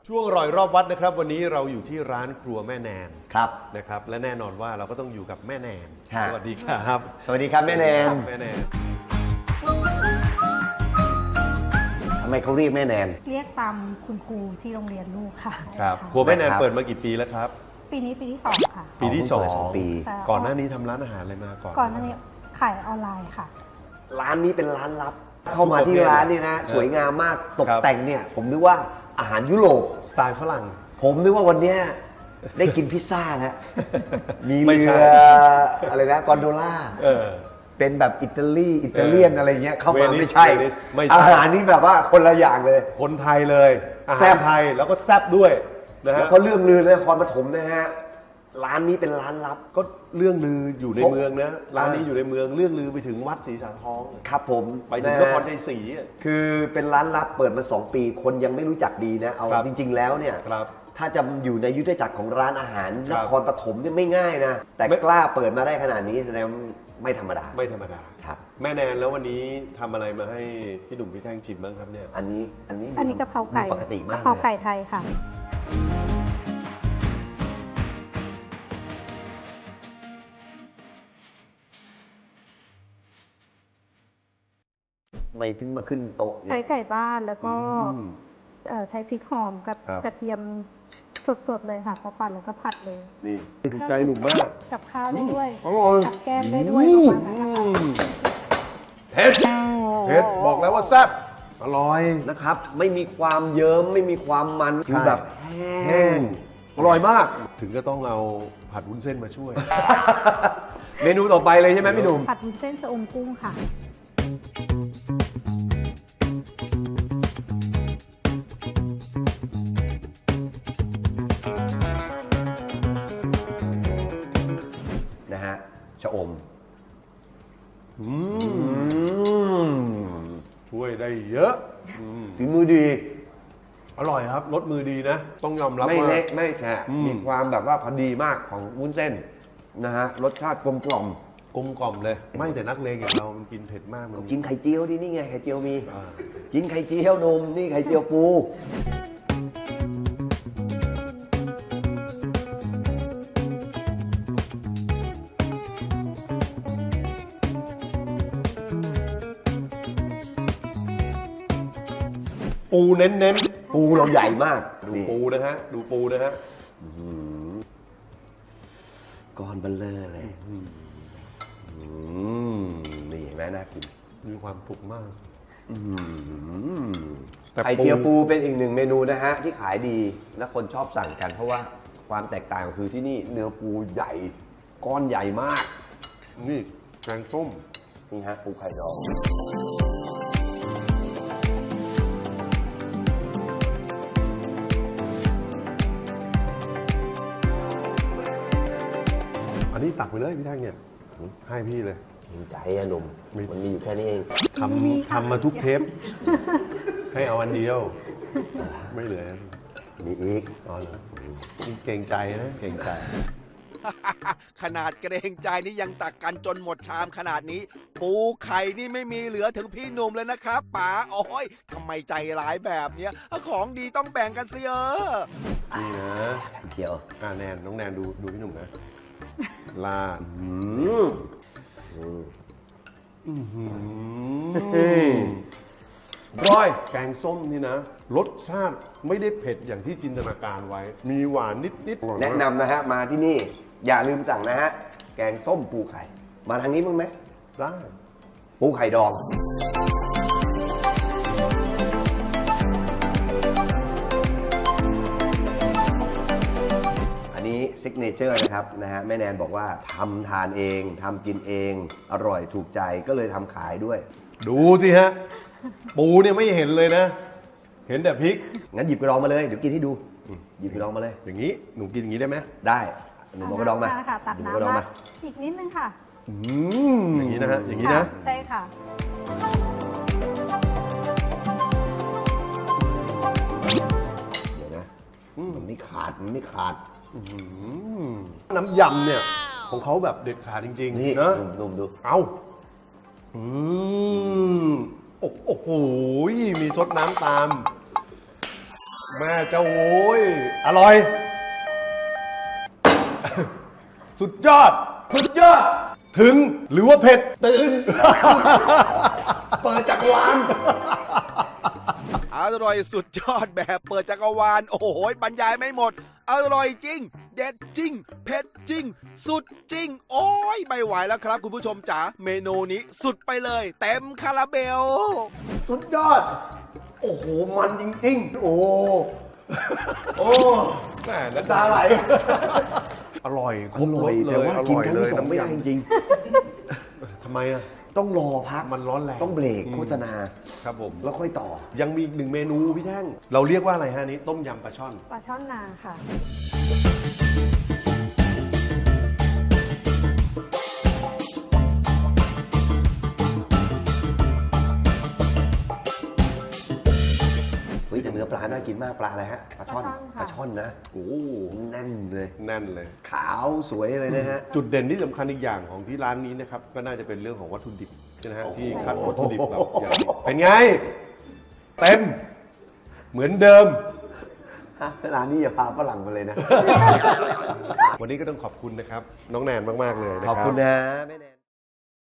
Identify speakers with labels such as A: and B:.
A: ช่วงอร่อยรอบวัดนะครับวันนี้เราอยู่ที่ร้านครัวแม่แนน
B: ครับ
A: นะครับและแน่นอนว่าเราก็ต้องอยู่กับแม่แนน
B: ฮะ
A: สวัสดีครับ
B: สวัสดีครับแม่แนน
A: แม่แนน
B: ทำไมเขาเรียกแม่แนน
C: เรียกตามคุณครูที่โรงเรียนลูกค่ะ
A: ครับ
C: ใช่
A: ครัวแม่แนน
B: นะครับ
A: เปิดมากี่ปีแล้วครับ
C: ปีนี้ปีที่สองค่ะ
A: ปีที่สอง
B: สองปี
C: ค่ะ
A: ก่อนหน้านี้ทำร้านอาหารอะไรมาก่อน
C: ก่อนหน้านี้ขายออนไลน์ค่ะ
B: ร้านนี้เป็นร้านลับ เข้ามาที่ร้านนี่นะ สวยงามมากตก
A: ครับ
B: แต่งเนี่ย ผมนึกว่าอาหารยุโรป
A: สไตล์ฝรั่ง
B: ผมนึกว่าวันเนี้ยได้กินพิซซ่าแล้ว มี
A: ไม่
B: เรื
A: ใช่
B: ออะไรนะกอนโดล่า
A: เออ
B: เป็นแบบอิตาเลียนอะไรเงี้ยเข้ามา
A: เวนิส
B: ไม่ใช่
A: เวนิสไม่ใช่
B: อาหารนี่แบบว่าคนละอย่างเลย
A: คนไทยเลยอา
B: แซ่
A: หาร
B: บ
A: ไทยแล้วก็แซ่บด้วยนะ
B: แล้
A: ฮะ
B: วก็เรื่องลือในนครปฐมนะฮะร้านนี้เป็นร้านลับ
A: ก็เรื่องลืออยู่ใน
B: เพราะ
A: เมืองนะร้านนี้อยู่ในเมืองเรื่องลือไปถึงวัดศรีสาทอง
B: ครับผม
A: ไปถึง
B: ะ
A: น
B: ฮะ
A: ครชัยศรีอะ
B: คือเป็นร้านลับเปิดมา 2 ปีคนยังไม่รู้จักดีนะ เอา
A: ครับ
B: จริง ๆ แล้วเนี่ย
A: ครับ
B: ถ้าจะอยู่ในยุทธจักรของร้านอาหาร
A: คน รับ
B: ครปฐมเนี่ยไม่ง่ายนะ แต่
A: ไม่
B: กล้าเปิดมาได้ขนาดนี้แสดงว่าไม่ธรรมดา
A: ไม่ธรรมดา
B: ครับ
A: แม่แนนแล้ววันนี้ทำอะไรมาให้พี่หนุ่มพี่แท่งชิมบ้างครับเนี่ย
B: อันนี้
C: อันนี้กะเพราไก่
B: ปกติมาก
C: กะเพราไก่
B: ลย
C: ไทยค่ะ
B: ไม่ถึงมาขึ้นโต๊ะเนี่
C: ใช้
B: ย
C: ไก่บ้านแล้วก็
A: อืม
C: ใช้พริกหอมกับ
A: ครับ
C: กระเทียมสดๆเลยค่ะพอปั่นแล้วก็ผัดเลย
A: นี่ถูกใจหนุ่มมาก
C: กับข้าวได้ด้วย
A: อร่อย
C: กับแก้มได้ด้วยประมาณนั้นนะคะ
A: เผ็ดเผ็ดบอกแล้วว่าแซ่บอร่อย
B: นะครับ ไม่มีความเยิ้มไม่มีความมัน
A: ใช่
B: คือแบบแห้งอร่อยมาก
A: ถึงก็ต้องเอาผัดวุ้นเส้นมาช่วย
B: เมนูต่อไปเลยใช่ไหมพี่หนุ่ม
C: ผัดวุ้นเส้นชะอมกุ้งค่ะ
B: นะฮะชะอม
A: อืม
B: อืม
A: ช่วยได้เยอะอืม
B: ฝีมือดี
A: อร่อยครับรสมือดีนะ ต้องยอมรับ
B: ไม่
A: ว่า
B: เละไม่แฉะ
A: อืม
B: มีความแบบว่าพอดีมากของวุ้นเส้นนะฮะรสชาติกลมกล่อม
A: กลมกล่อมเลย ไม่แต่นักเลงอย่างเรามันกินเผ็ดมากมัน
B: กินไข่เจียวที่นี่ไงไข่เจียวมี
A: อ่า
B: กินไข่เจียวนมนี่ไข่เจียวปู
A: ปูเน้น
B: ปูเราใหญ่มาก
A: ๆดู
B: นี่
A: ปูนะฮะดูปูนะฮะ
B: ก้อนเบลเลอร์เลยนี่เห็นไหมน่ากิน
A: มีความสุขมาก
B: อืม
A: แต่
B: ไข่เจียวปูเป็นอีกหนึ่งเมนูนะฮะที่ขายดีและคนชอบสั่งกัน เพราะว่าความแตกต่างคือที่นี่เนื้อปูใหญ่ก้อนใหญ่มาก
A: นี่แกงส้ม
B: นี่ฮะปูไข่ดอง
A: อันนี้ตักไปเลยพี่แท่งเนี่ยให้พี่เลย
B: จริงใจอะหนุ่ม
A: มี
B: มันมีอยู่แค่นี้เอง
A: ทำมาทุกเทป ให้เอาอันเดียว ไม่เหลือ
B: มีอีก
A: อ๋อเหรอนี่เก่งใจนะเก่งใจ
D: ขนาดเกรงใจนี่ยังตักกันจนหมดชามขนาดนี้ ปูไข่นี่ไม่มีเหลือถึงพี่หนุ่มเลยนะครับป๋าโอ้ยทำไมใจร้ายแบบเนี้ยของดีต้องแบ่งกันสิ
A: นี่นะ
B: ไข่เจียว
A: แนนน้องแนนดูพี่หนุ่มนะลาด
B: ร้อย
A: แกงส้มนี่นะ รสชาติไม่ได้เผ็ดอย่างที่จินตนาการไว้ มีหวานนิดๆ
B: แนะนำนะฮะ มาที่นี่ อย่าลืมสั่งนะฮะ แกงส้มปูไข่ มาทางนี้มั้างไหม
A: ได้
B: ปูไข่ดอง อันนี้ซิกเนเจอร์นะครับนะฮะแม่แนนบอกว่าทำทานเองทำกินเอง อร่อยถูกใจก็เลยทำขายด้วย
A: ดูสิฮะ ปูเนี่ยไม่เห็นเลยนะ เห็นแต่พริก
B: งั้นหยิบกระดองมาเลย เดี๋ยวกินให้ดู หยิบกระดองมาเลย
A: อย่างนี้หนูกินอย่างนี้ได้ไหม
B: ได้หนูเอากระดองมา
C: ค่ะตัก
B: หนูเอากระดอง
C: น้ำ
B: มา
C: อีกนิดนึงค่ะ
A: อย่างนี้นะฮะอย่างนี้นะ
C: ใช่ค่ะ
B: เดี๋ยวนะมันไม่ขาดมันไม่ขาด
A: น้ำยำเนี่ย ของเขาแบบเด็ดขาดจริง
B: นี่
A: ๆนะ
B: หนุ่มๆดู
A: เอาโอ้โหมีซดน้ำตามแม่เจ้าโว้ยอร่อย สุดยอด สุดยอด ถึงหรือว่าเผ็ด
B: ตื่น เปิดจักรวาล
D: อร่อยสุดยอดแบบเปิดจักรวาลโอ้โหบรรยายไม่หมด อร่อยจริง เด็ดจริง เผ็ดจริง สุดจริง โอ้ยไม่ไหวแล้วครับคุณผู้ชมจ๋าเมนูนี้สุดไปเลย เต็มคาราเบล
B: สุดยอด โอ้โห มันจริงๆ โอ้ โอ้
A: แม่
B: น้ำตาไหล
A: อร่อยค
B: อ
A: รบ
B: ร่
A: ร
B: อย
A: สเล
B: แต่
A: ย
B: ว่า
A: อ
B: กิน
A: ร่อย
B: ครั้ง
A: เลย
B: ที่สองไม่ได้จริง
A: ทำไมอ่ะ
B: ๆ ต้องรอพัก
A: มันร้อนแรง
B: ต้องเบรกโฆษณา
A: ครับผม
B: แล้วค่อยต่อ
A: ยังมีอีกหนึ่งเมนูพี่แท่ง เราเรียกว่าอะไรฮะอันนี้ต้มยำปลาช่อน
C: ปลาช่อนนาค่ะ
B: เฮ้ยแต่เนื้อปลาน่ากินมากปลาอะไรฮะ ปลาช่อน
C: ปลาช่อนค่ะ
B: ปลาช่อนนะ โอ้แน่นเลย
A: แน่นเลย
B: ขาวสวยเลยนะฮะ
A: จุดเด่นที่สำคัญอีกอย่างของที่ร้านนี้นะครับก็น่าจะเป็นเรื่องของวัตถุดิบนะฮะที่คัดวัตถุดิบแบบอย่างดีเป็นไง เต็ม เหมือนเดิม
B: ร้านนี้อย่าพาฝรั่งมาเลยนะ
A: วันนี้ก็ต้องขอบคุณนะครับ น้องแนนมาก ๆ เลยนะ
B: ขอบ
A: ครับ
B: คุณนะแม่แนน